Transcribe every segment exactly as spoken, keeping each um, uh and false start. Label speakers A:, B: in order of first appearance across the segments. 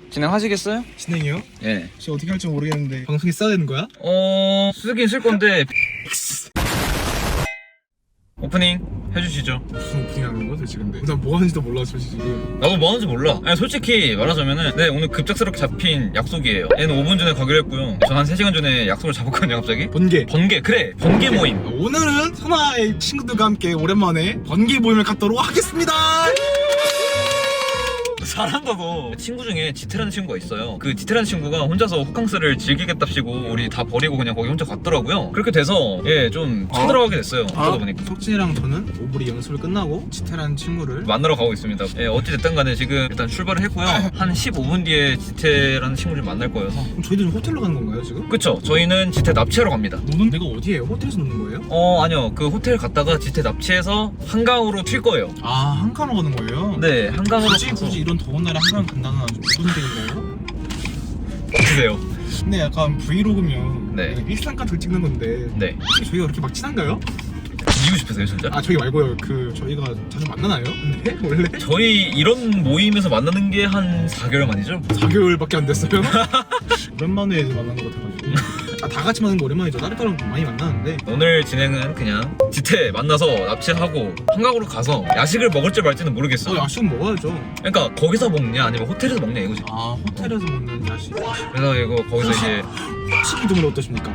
A: 진행하시겠어요?
B: 진행이요?
A: 예.
B: 혹시 어떻게 할지 모르겠는데 방송에 써야 되는 거야?
A: 어... 쓰긴 쓸 건데 오프닝 해주시죠.
B: 무슨 오프닝 하는 거야 도대체 근데? 나 뭐 하는지도 몰라 솔직히 지금.
A: 나도 뭐 하는지 몰라. 아니 솔직히 말하자면은 네 오늘 급작스럽게 잡힌 약속이에요. 얘는 오 분 전에 가기로 했고요. 전 한 세 시간 전에 약속을 잡았거든요 갑자기.
B: 번개.
A: 번개 그래 번개 모임.
B: 오늘은 선아의 친구들과 함께 오랜만에 번개 모임을 갖도록 하겠습니다.
A: 잘한다 너. 친구 중에 지태라는 친구가 있어요. 그 지태라는 친구가 혼자서 호캉스를 즐기겠답시고 우리 다 버리고 그냥 거기 혼자 갔더라고요. 그렇게 돼서 예 좀 쳐들어가게 됐어요. 그러다 보니까
B: 석진이랑 저는 오브리 연습을 끝나고 지태라는 친구를
A: 만나러 가고 있습니다. 예, 어찌됐든 간에 지금 일단 출발을 했고요. 한 십오 분 뒤에 지태라는 친구를 만날 거여서.
B: 그럼 저희들은 호텔로 가는 건가요 지금?
A: 그쵸, 저희는 지태 납치하러 갑니다.
B: 노는 데가 어디예요? 호텔에서 노는 거예요?
A: 어 아니요, 그 호텔 갔다가 지태 납치해서 한강으로 튈 거예요.
B: 아 한강으로 가는 거예요?
A: 네, 한강으로
B: 굳이
A: 가서
B: 굳이 이런 더운 날에 한강 간다는 아주 무슨 데인가요?
A: 드세요.
B: 근데 약간 브이로그면
A: 네.
B: 일상 같은 찍는 건데
A: 네,
B: 혹시 저희가 그렇게 막 친한가요?
A: 이기고 싶으세요 진짜?
B: 아 저희 말고요 그 저희가 자주 만나나요? 근데 원래?
A: 저희 이런 모임에서 만나는 게 한 사 개월 만이죠?
B: 사 개월밖에 안 됐어요? 오랜만에 만난 것 같아가지고 아, 다 같이 만나는 거 오랜만이죠. 다른 사람 많이 만나는데
A: 오늘 진행은 그냥 지태 만나서 납치하고 한강으로 가서 야식을 먹을지 말지는 모르겠어.
B: 어 야식은 먹어야죠.
A: 그러니까 거기서 먹냐 아니면 호텔에서 먹냐 이거지.
B: 아 호텔에서 먹는 야식
A: 그래서 이거 거기서 이제
B: 치킨 드물 어떠십니까?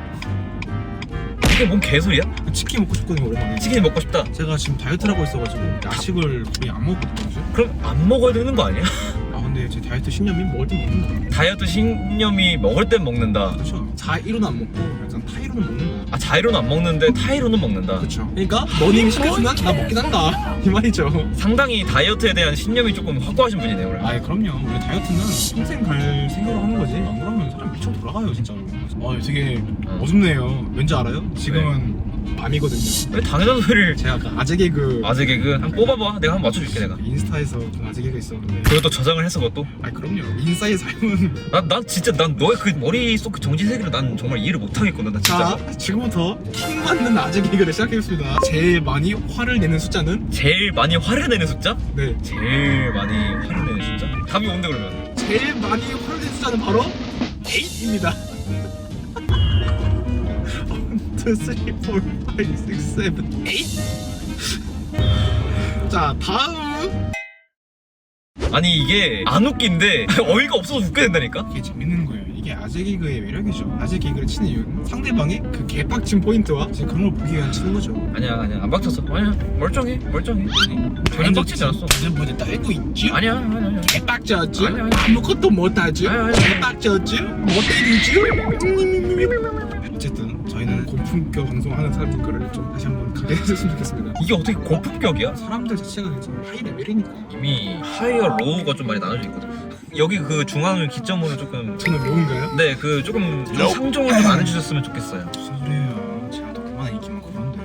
A: 이게 뭔 개소리야?
B: 치킨 먹고 싶거든요 오랜만에.
A: 치킨이 먹고 싶다.
B: 제가 지금 다이어트를 하고 있어가지고 야식을 거의 안 먹거든요 요즘.
A: 그럼 안 먹어야 되는 거 아니야?
B: 아 근데 제 다이어트 신념이 먹을 때 먹는다.
A: 다이어트 신념이 먹을 땐 먹는다.
B: 그렇죠. 자이로는 안 먹고 약간 타이로는 먹는다.
A: 아 자이로는 안 먹는데 타이로는 먹는다.
B: 그렇죠. 그러니까 너님이 시켜주면 나 먹긴 한다 이 말이죠.
A: 상당히 다이어트에 대한 신념이 조금 확고하신 분이네요 그래.
B: 아 그럼요. 우리 다이어트는 평생 갈 생각으로 하는 거지. 안 그러면 사람 미쳐 돌아가요 진짜로. 아 되게 어둡네요. 왠지 알아요? 지금은 밤이거든요.
A: 왜 당연한 소리를.
B: 제가 그 아재 개그
A: 아재 개그 한번 뽑아봐. 내가 한번 맞춰줄게 내가.
B: 인스타에서 그 아재 개그 있었는데.
A: 그것도 저장을 해서 그것도.
B: 아 그럼요. 인싸의 삶은
A: 난, 난 진짜 난 너의 그 머릿속 그 정신 세계를 난 정말 이해를 못하겠거든 나 진짜.
B: 자 지금부터 킹 맞는 아재 개그를 시작하겠습니다. 제일 많이 화를 내는 숫자는
A: 제일 많이 화를 내는 숫자?
B: 네
A: 제일 많이 화를 내는 숫자? 답이 뭔데 그러면?
B: 제일 많이 화를 내는 숫자는 바로 팔입니다. 일, 이, 삼, 사, 오, 육, 칠, 팔. 자 다음.
A: 아니 이게 안 웃긴데 어이가 없어서 웃게 된다니까?
B: 이게 재밌는 거예요. 이게 아재 개그의 매력이죠. 아재 개그를 치는 이유는 상대방의 그 개빡친 포인트와 지금 그런 걸 보기 위한 치는 거죠.
A: 아니야 아니야 안 박쳤어. 아니야 멀쩡해 멀쩡해. 전혀 빡치지 않았어.
B: 무슨 뭐지 떨고 있지?
A: 아니야 아니야 아니야.
B: 개빡쳤지?
A: 아니야, 아니야.
B: 아무것도 못하지?
A: 아니야, 아니야.
B: 개빡쳤지? 못 때리지? 어쨌든 저희는 고품격 방송하는 사람들 거를 좀 다시 한번 가게 해줬으면 좋겠습니다.
A: 이게 어떻게 고품격이야?
B: 사람들 자체가 괜찮아 하이 레벨이니까.
A: 이미 하이와 로우가 좀 많이 나눠져 있거든. 여기 그 중앙을 기점으로 조금
B: 저는 로운가요?
A: 네 그 조금 좀 상종을 좀 안 해주셨으면 좋겠어요.
B: 무슨 소리예요? 제가 더 그만한 인기만 그런데.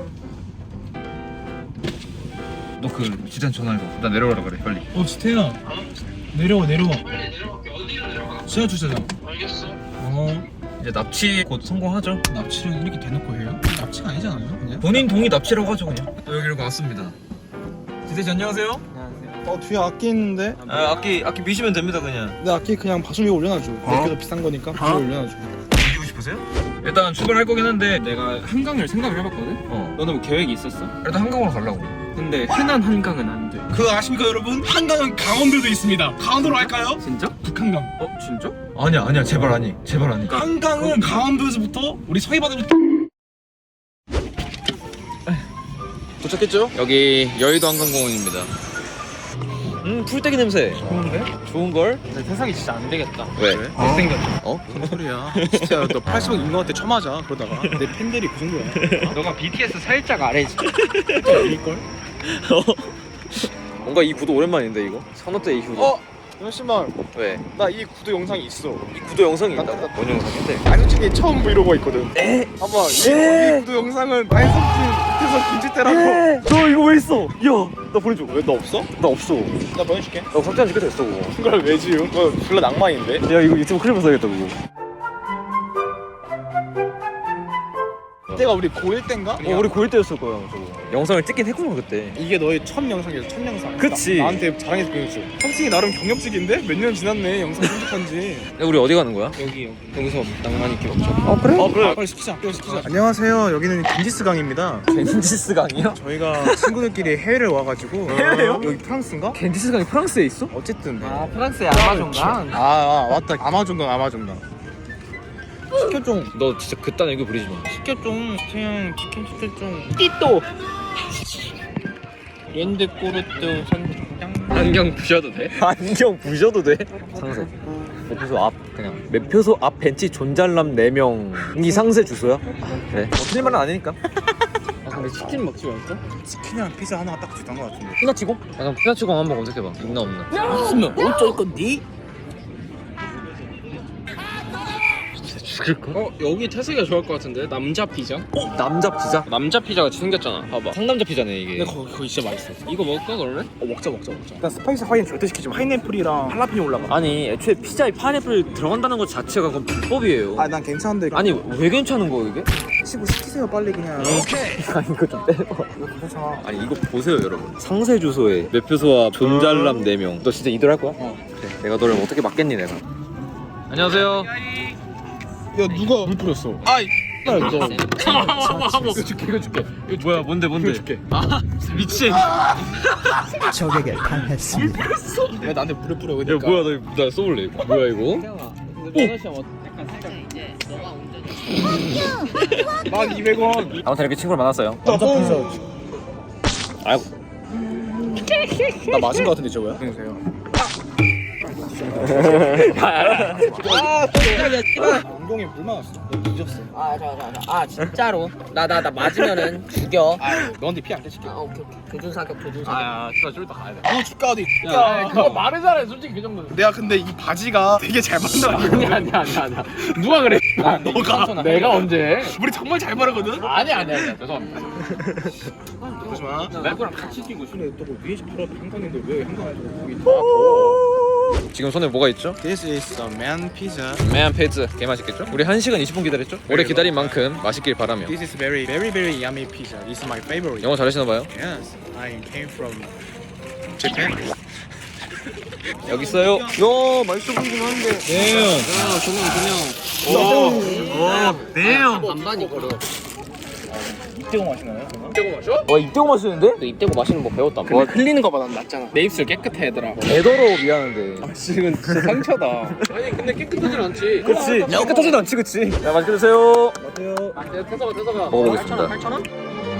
A: 너 그 지단 전화해봐. 나 내려오라 그래 빨리.
B: 어 지태야 내려와 내려와. 빨리 내려갈게. 어디로 내려가? 지하 주차장. 알겠어. 어
A: 이제 납치 곧 성공하죠.
B: 납치를 이렇게 대놓고 해요? 납치가 아니잖아요 그냥.
A: 본인 동의 납치라고 하죠 그냥. 여기로 왔습니다. 지대씨 안녕하세요.
C: 어 뒤에 악기 있는데?
A: 아, 악기 악기 미시면 됩니다 그냥.
C: 근데 악기 그냥 방송에 올려놔줘. 악기도 비싼 거니까 방송에 올려놔줘.
A: 이기고 싶으세요? 일단 출발할 거긴 한데
D: 내가 한강을 생각을 해봤거든?
A: 어
D: 너는 뭐 계획이 있었어?
A: 일단 한강으로 가려고.
D: 근데 흔한 한강은 안 돼.
B: 그거 아십니까 여러분? 한강은 강원도도 있습니다. 강원도로 할까요?
D: 진짜?
B: 북한강.
D: 어? 진짜?
A: 아니야 아니야 제발 아니 제발 아니.
B: 한강은 강원도에서부터 우리 서해바다로
A: 도착했죠? 여기 여의도 한강공원입니다. 음 풀떼기 냄새.
D: 좋은데?
A: 좋은걸?
D: 내 세상이 진짜 안 되겠다.
A: 왜?
D: 못생겼다.
A: 어?
B: 무슨 소리야? 진짜 너 팔십억 인간한테 쳐맞아 그러다가 내 팬들이 그 정도야.
D: 너가 비티에스 살짝 아래지.
B: 아닐걸?
A: 뭔가 이 구도 오랜만인데 이거? 선호 때 이후로.
C: 어? 잠시만
A: 왜?
C: 나 이 구도 영상이 있어.
A: 이 구도 영상이 있다. 뭔 영상인데?
C: 아 솔직히 처음 브이로그가 있거든.
A: 에?
C: 봐봐 이, 이 구도 영상은 마이너스 김지태라고.
A: 너 이거 왜 있어? 야, 나 보내줘.
C: 왜 너 없어?
A: 나 없어.
C: 나 보내줄게.
A: 나 삭제한 지꽤 됐어 그거.
C: 그걸 왜 지우? 그거 졸라 낭만인데?
A: 야 이거 유튜브 클립 써야겠다 그거.
B: 이때가 우리 고일 때인가?
A: 어, 우리 고일 때였을 거야 저거. 영상을 찍긴 했구나 그때.
B: 이게 너의 첫 영상이었어. 첫 영상.
A: 그치.
B: 나, 나한테 자랑해서 보여줬어. 솔직히 나름 경력직인데 몇 년 지났네 영상 편집한지.
A: 야, 우리 어디 가는 거야?
B: 여기 여기 여기서 낭만 있게 먹자.
A: 어 그래? 어 그래.
B: 빨리 시키자. 빨리 시키자. 안녕하세요. 여기는 겐지스 강입니다.
A: 겐지스 강이요?
B: 저희가 친구들끼리 해외를 와가지고
A: 해외요?
B: 여기 프랑스인가?
A: 겐지스 강이 프랑스에 있어?
B: 어쨌든
D: 아 프랑스의 아마존강.
B: 아, 아 맞다. 아마존강 아마존강. 시켜 좀.
A: 너 진짜 그딴 애교 부리지 마.
B: 시켜 좀. 그냥 치킨 시켜 좀.
D: 띠또. 랜드 꼬르트 선장. 안경 부셔도 돼?
A: 안경 부셔도 돼? 상세. 매표소 앞 그냥 매표소 앞 벤치 존잘남 네 명이 상세 주소야? 그래. 뭐 틀린 말은 아니니까.
D: 아 근데 치킨 먹지 말까?
B: 치킨이랑 피자 하나가 딱 주던 것 같은데.
A: 피나치공? 약간 피나치공 한번 검색해봐. 있나 없나?
D: 있으면 어쩔 건디?
A: 죽을까?
D: 어 여기 태석이가 좋아할 것 같은데 남자 피자?
A: 어? 남자 피자?
D: 남자 피자 같이 생겼잖아. 봐봐.
A: 상남자 피자네 이게.
D: 근데 거기 거기 진짜 맛있어. 이거 먹을까 그러면?
B: 어 먹자 먹자 먹자. 일단 스파이스 하이는 절대 시키지 마. 파인애플이랑 할라피뇨 올라가.
A: 아니 애초에 피자에 파인애플 들어간다는 것 자체가 그건 불법이에요.
B: 아 난 괜찮은데.
A: 아니 왜 괜찮은 거야 이게?
B: 시고 시키세요 빨리 그냥.
A: 아니 이거 좀 빼봐.
B: 이거 괜찮아.
A: 아니 이거 보세요 여러분. 상세 주소에 매표소와 존잘남 네 명. 너 진짜 이대로 할 거야?
B: 어.
A: 그래. 내가 너를 어떻게 막겠니 내가. 안녕하세요.
B: 야 누가 물 뿌렸어? 아이. 너.
D: 이거 줄게 이거 줄게.
A: 이거 뭐야 뭔데 뭔데?
B: 줄게.
D: 아 미친.
E: 적에게 당했습니다.
B: 야 나한테 물을 뿌려.
A: 야
B: 그러니까.
A: 뭐야 나, 나 쏘볼래 이거. 뭐야 이거?
B: 만 이백 원.
A: 아무튼 이렇게 친구를 만났어요.
B: 남자 피자.
A: 아이고.
B: 나 맞은 거 같은데 저거야? 안녕하세요. 엉덩이에 물 맞았어. 너 뒤졌어.
F: 아, 자, 자, 자. 아, 진짜로? 나, 나, 나 맞으면은 죽여.
B: 아 너한테 피 안 떼줄게.
F: 아, 오케이, 오케이. 교준 사격, 교준 사격.
D: 아야 진짜 쫄다 가야 돼.
B: 어 죽가 어디?
D: 야 그거 말을 잘해 솔직히 그 정도는.
B: 내가 근데 이 바지가 되게 잘 맞는
D: 아니야 아니야 아니야 아니야. 누가 그래? 아,
B: 너가.
D: 내가 언제?
B: 우리 정말 잘 바르거든.
D: 아니야 아니야 아니야. 죄송합니다.
B: 그러지 마.
D: 누구랑 같이 뛰고 있어.
B: 근데 또 위에서 바로 한강인데 왜 한강에서 거기
A: 지금 손에 뭐가 있죠?
B: This is a man pizza.
A: 매한 페이즈 개 맛있겠죠? 우리 한 시간 이십 분 기다렸죠? 오래 기다린 만큼 맛있길 바라며.
B: This is very very very yummy pizza. This is my favorite.
A: 영어 잘하시나 봐요?
B: Yes, I came from Japan.
A: 여기 있어요. 야 맛있어 보이긴 한데. 네.
F: 야, 조명, 조명.
A: 와
F: 아, 반반 이거를.
B: 이태고 마시나요?
D: 이때고 마셔?
A: 와 입대고 마시는데?
F: 너 입대고 마시는 법 배웠다.
D: 와 흘리는 거보다 낫잖아. 내 입술 깨끗해 얘들아.
A: 애더러 미안한데.
D: 지금 진짜 상처다. 아니 근데 깨끗하진 않지.
A: 그치. 깨끗하지도 않지 그치. 야 맛있게 드세요.
B: 어때요?
D: 야 태서가 태서가.
A: 먹어보겠습니다.
F: 팔천 원?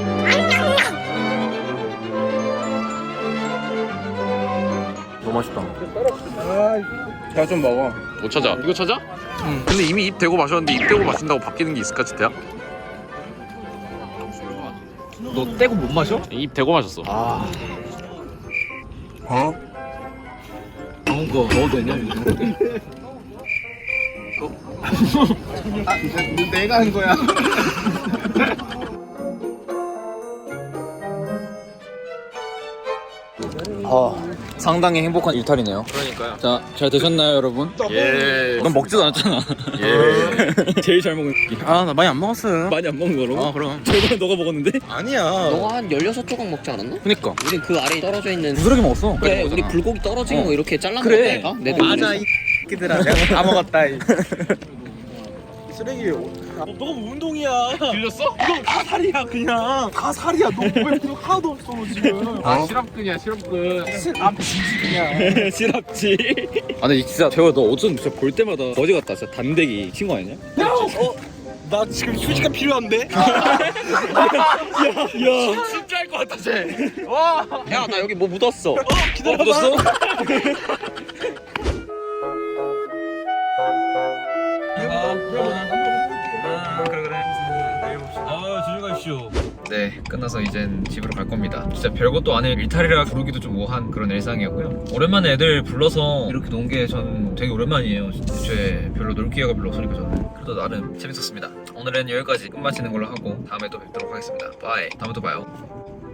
A: 너무 맛있다.
B: 자 좀 먹어.
G: 못 찾아. 이거 찾아? 응. 근데 이미 입 대고 마셨는데 입 대고 마신다고 바뀌는 게 있을까, 지태야?
A: 너 떼고 못 마셔?
G: 입 대고 마셨어.
A: 아. 어? 다음 거 먹어도 되냐?
B: 아, 내가 한 거야.
A: 아, 상당히 행복한 일탈이네요.
G: 그러니까요.
A: 자, 잘 드셨나요, 여러분?
G: 예.
A: 넌 먹지도 않았잖아.
G: 예.
A: 제일 잘 먹은.
B: 아 나 많이 안 먹었어요.
A: 많이 안 먹은 거라고?
B: 아 그럼.
A: 저번에 너가 먹었는데?
B: 아니야.
F: 너가 한 열여섯 조각 먹지 않았나?
A: 그니까.
F: 우린 그 아래에 떨어져 있는.
A: 부스러기 먹었어.
F: 그래, 우리 불고기 떨어진
A: 어.
F: 거 이렇게 잘라
A: 그래.
F: 먹었다니까? 내
B: 맞아
F: 동네에서.
B: 이 끼들아 내가 다 먹었다. 이 쓰레기. 너 너가 운동이야.
G: 들렸어?
B: 이거 다 살이야 그냥. 다 살이야. 너 몸에 근육 하나도 없어 너 지금.
D: 아 시럽근이야 시럽근.
B: 아 진짜 그냥.
A: 시럽지. 아, 근데 진짜 재호야, 너 어쩜 진짜 볼 때마다 거지 같다. 진짜 단대기 친구 아니냐?
B: 어? 나 지금 휴지가 필요한데?
G: 진짜 할 것 같아, 쟤.
F: 야, 나 여기 뭐 묻었어.
B: 기다려봐.
A: 묻었어? 아, 조심하십시오. 네, 끝나서 이젠 집으로 갈 겁니다. 진짜 별것도 아닌 일탈이라 부르기도 좀 우한 그런 일상이었고요. 오랜만에 애들 불러서 이렇게 논 게 전 되게 오랜만이에요. 애초에 별로 놀 기회가 별로 없으니까 저는. 그래도 나름 재밌었습니다. 오늘은 여기까지 끝마치는 걸로 하고 다음에 또 뵙도록 하겠습니다. 바이. 다음에 또 봐요.